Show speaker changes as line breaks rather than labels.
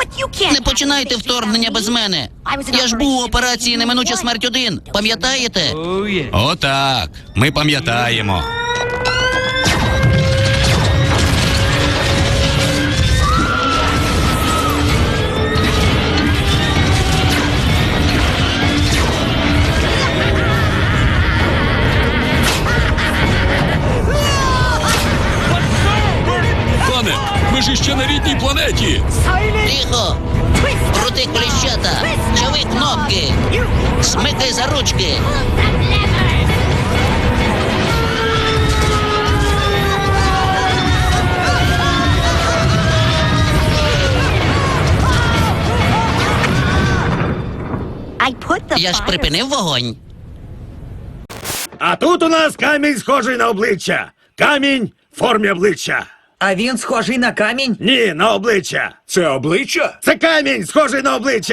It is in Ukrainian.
Не починайте вторгнення без мене. Я ж був у операції «Неминуча смерть 1». Пам'ятаєте?
Отак. Ми пам'ятаємо.
Пане, ми ж іще на рідній планеті.
Тихо! Крути коліщата! Чави кнопки! Смикай за ручки! Я ж припинив вогонь.
А тут у нас камінь, схожий на обличчя. Камінь в формі обличчя.
А він схожий на камінь?
Ні, на обличчя.
Це обличчя?
Це камінь, схожий на обличчя.